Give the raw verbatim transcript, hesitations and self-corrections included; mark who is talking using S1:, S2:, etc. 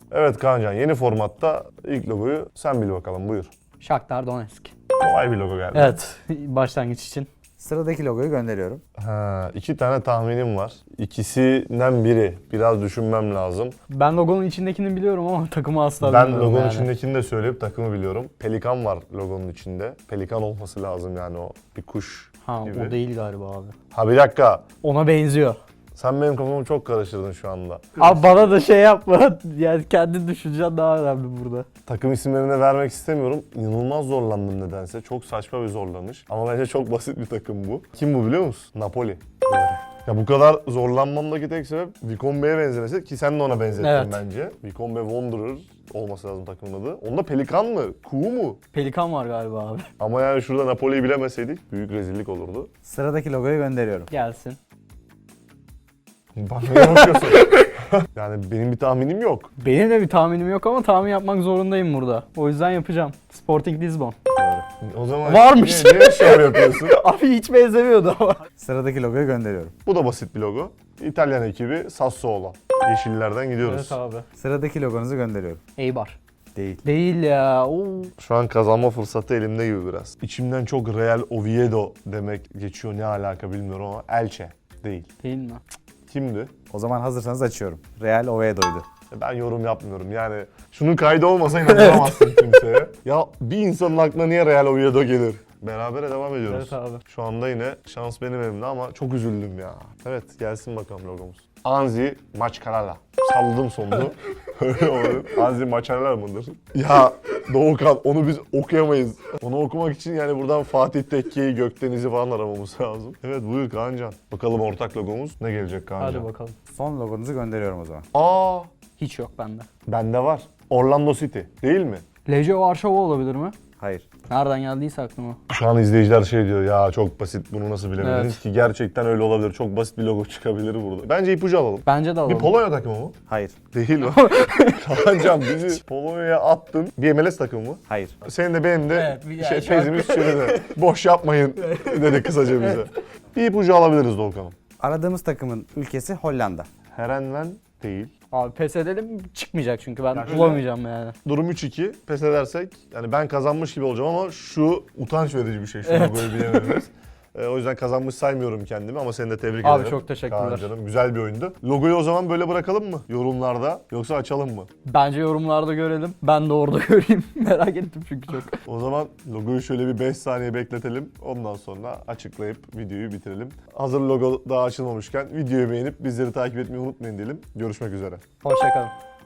S1: Evet Kaancan, yeni formatta ilk logoyu sen bil bakalım, buyur.
S2: Shakhtar Donetsk.
S1: Kolay bir logo geldi.
S2: Evet, başlangıç için.
S3: Sıradaki logoyu gönderiyorum.
S1: Ha, iki tane tahminim var. İkisinden biri. Biraz düşünmem lazım.
S2: Ben logonun içindekini biliyorum ama takımı asla
S1: Ben
S2: bilmiyorum
S1: logonun
S2: yani.
S1: içindekini de söyleyip takımı biliyorum. Pelikan var logonun içinde. Pelikan olması lazım yani, o bir kuş
S2: Ha,
S1: gibi.
S2: o değil galiba abi.
S1: Ha bir dakika.
S2: Ona benziyor.
S1: Sen benim kafamı çok karıştırdın şu anda.
S2: Abi bana da şey yapma. Yani kendin düşüneceksin daha önemli burada.
S1: Takım isimlerini vermek istemiyorum. İnanılmaz zorlandım nedense. Çok saçma bir zorlanış. Ama bence çok basit bir takım bu. Kim bu biliyor musun? Napoli. Ya bu kadar zorlanmamdaki tek sebep Vikombe'ye benzemesi, ki sen de ona benzettin
S2: Evet.
S1: bence. Vikombe Wanderer olması lazım takımın adı. Onda Pelikan mı? Kuğu mu?
S2: Pelikan var galiba abi.
S1: Ama yani şurada Napoli'yi bilemeseydik büyük rezillik olurdu.
S3: Sıradaki logoyu gönderiyorum.
S2: Gelsin.
S1: Bana ne bakıyorsun? Yani benim bir tahminim yok.
S2: Benim de bir tahminim yok ama tahmin yapmak zorundayım burada. O yüzden yapacağım. Sporting Lisbon.
S1: O zaman
S2: Varmış.
S1: niye, niye şov yapıyorsun?
S2: Abi hiç benzemiyordu ama.
S3: Sıradaki logoyu gönderiyorum.
S1: Bu da basit bir logo. İtalyan ekibi Sassuolo. Yeşillerden gidiyoruz.
S2: Evet abi.
S3: Sıradaki logonuzu gönderiyorum.
S2: Eibar.
S3: Değil.
S2: Değil ya. Oo.
S1: Şu an kazanma fırsatı elimde gibi biraz. İçimden çok Real Oviedo demek geçiyor, ne alaka bilmiyorum ama Elche değil.
S2: Değil mi?
S1: Kimdi?
S3: O zaman hazırsanız açıyorum. Real Oviedo'ydu.
S1: Ben yorum yapmıyorum yani. Şunun kaydı olmasa inanamazsın kimseye. Ya bir insanın aklına niye Real Oviedo gelir? Berabere devam ediyoruz.
S2: Evet abi.
S1: Şu anda yine şans benim elimde ama çok üzüldüm ya. Evet, gelsin bakalım logomuz. Anzi Maçkarala. Salladım sonunu. Öyle olur. Anzi Maçkarala mıdır? Ya Doğukan, onu biz okuyamayız. Onu okumak için yani buradan Fatih Tekke'yi, Gökdeniz'i falan aramamız lazım. Evet, buyur Kaancan. Bakalım ortak logomuz ne gelecek Kaancan?
S2: Hadi bakalım.
S3: Son logonuzu gönderiyorum o zaman.
S1: Aa,
S2: Hiç yok bende.
S1: bende var. Orlando City değil mi?
S2: Lejio Varşova olabilir mi?
S3: Hayır.
S2: Nereden geldiyse aklıma.
S1: Şu an izleyiciler şey diyor ya, çok basit, bunu nasıl bilemediniz
S2: Evet.
S1: ki, gerçekten öyle olabilir. Çok basit bir logo çıkabilir burada. Bence ipucu alalım.
S2: Bence de
S1: Bir
S2: alalım.
S1: Polonya takımı mı?
S3: Hayır.
S1: Değil mi? Kaancan bizi Polonya'ya attın. Bir M L S takımı mı?
S3: Hayır.
S1: Senin de benim de
S2: Evet, bir-
S1: şey,
S2: yani şu an-
S1: tezimiz çürüdü. Boş yapmayın dedi kısaca bize. Bir ipucu alabiliriz Doğukan'ım.
S3: Aradığımız takımın ülkesi Hollanda.
S1: Herenven değil.
S2: Abi pes edelim, çıkmayacak çünkü ben
S1: Ya şöyle-
S2: bulamayacağım yani.
S1: Durum üç iki. Pes edersek yani ben kazanmış gibi olacağım ama şu utanç verici bir şey. Şu
S2: Evet.
S1: logoyu bilemediniz. Ee, o yüzden kazanmış saymıyorum kendimi ama seni de tebrik
S2: Abi
S1: ederim.
S2: çok teşekkürler.
S1: Kaan canım, güzel bir oyundu. Logoyu o zaman böyle bırakalım mı yorumlarda, yoksa açalım mı?
S2: Bence yorumlarda görelim. Ben de orada göreyim. Merak ettim çünkü çok.
S1: O zaman logoyu şöyle bir beş saniye bekletelim. Ondan sonra açıklayıp videoyu bitirelim. Hazır logo daha açılmamışken videoyu beğenip bizleri takip etmeyi unutmayın diyelim. Görüşmek üzere.
S2: Hoşçakalın.